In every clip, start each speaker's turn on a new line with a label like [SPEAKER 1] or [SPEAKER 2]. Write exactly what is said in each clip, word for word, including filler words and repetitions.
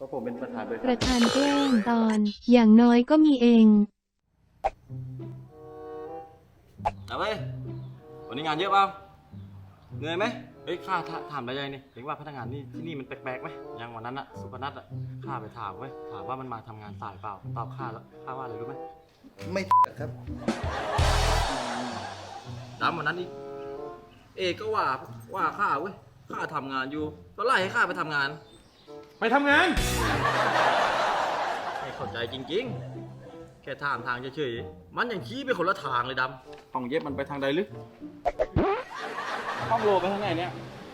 [SPEAKER 1] ราะผมเป็นประธานบริษั
[SPEAKER 2] ป
[SPEAKER 1] ท
[SPEAKER 2] ระธานแกล้งตอน อย่างน้อยก็มีเอง
[SPEAKER 3] เอาเว้ยวันนี้งานเยอะเปล่าเหนื่อยไหมเฮ้ยข้าถามได้ยังนี่เห็นว่าพนักงานนี่ที่นี่มันแปลกๆไหมอย่างวันนั้นอะสุพนัทอะข้าไปถามเว้ยถามว่ามันมาทำงานสายเปล่าตอบข้าแล้วข้าว่าอะไรรู้ไหม
[SPEAKER 1] ไม่ครับ
[SPEAKER 3] ดำวันนั้นนี่เอกก็ว่าว่าข้าเว้ยข้าทำงานอยู่ก็ไล่ให้ข้าไปทำงาน
[SPEAKER 4] ไปทำงาน
[SPEAKER 3] ไม่เข้าใจจริงๆ แค่ถามทางเฉยๆมันยังชี้ไปคนละทางเลยดำห้องเย็บมันไปทางใดหรือ
[SPEAKER 4] ห้องโลไปทางไหนเนี่ย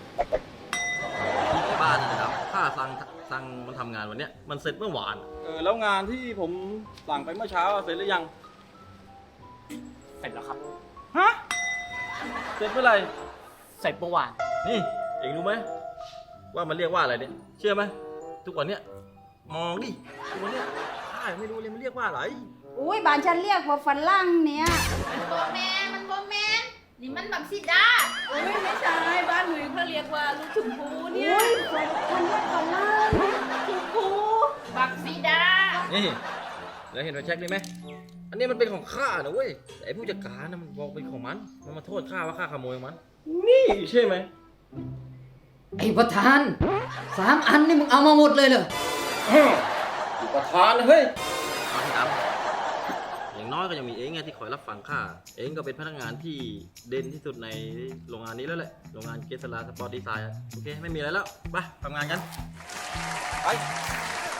[SPEAKER 3] ที่บ้านนี่นะครับข้าสั่งสั่งมันทำงานวันเนี้ยมันเสร็จเมื่อวาน
[SPEAKER 4] เออแล้วงานที่ผมสั่งไปเมื่อเช้าเสร็จหรือยัง
[SPEAKER 5] เสร็จแล้วครับ
[SPEAKER 4] ฮะ เสร็จเมื่อไหร่
[SPEAKER 5] เสร็จเมื่อวาน
[SPEAKER 3] นี่เองรู้ไหมว่ามันเรียกว่าอะไรเนี่ยเชื่อไหมทุกวันเนี้ยมองดิทุกวันเนี้ยข้ายังไม่รู้เลยมันเรียกว่าอะไร
[SPEAKER 6] อุ้ยบ้านฉันเรียกว่าฝรั่งเนี่ย
[SPEAKER 7] มันโบแมนมันโบแมนนี่มันบักซิดา
[SPEAKER 6] โอ้ยไม่ใช่บ้านหนูเขาเรียกว่าลูกชมพูเนี่ยอุ้ยฉันเรียกฝรั่งชมพู
[SPEAKER 7] บักซิดา
[SPEAKER 3] นี่แล้วเห็นไฟแช็กนี่ไหมอันนี้มันเป็นของข้านะเว้ยแต่ไอ้ผู้จัดการนะมันบอกเป็นของมันมันมาโทษข้าว่าข้าขโมยของมัน
[SPEAKER 4] นี่ใช่ไหม
[SPEAKER 8] ไอ้ประธานสามอันนี่มึงเอามาหมดเลยเหรอ
[SPEAKER 4] ประธานเฮ้ย
[SPEAKER 3] เอาที่ดำอย่างน้อยก็ยังมีเองไงที่คอยรับฟังข้าเองก็เป็นพนักงานที่เด่นที่สุดในโรงงานนี้แล้วแหละโรงงานเกสลาสปอร์ตดีไซน์โอเคไม่มีอะไรแล้วไปทำงานกัน
[SPEAKER 4] ไป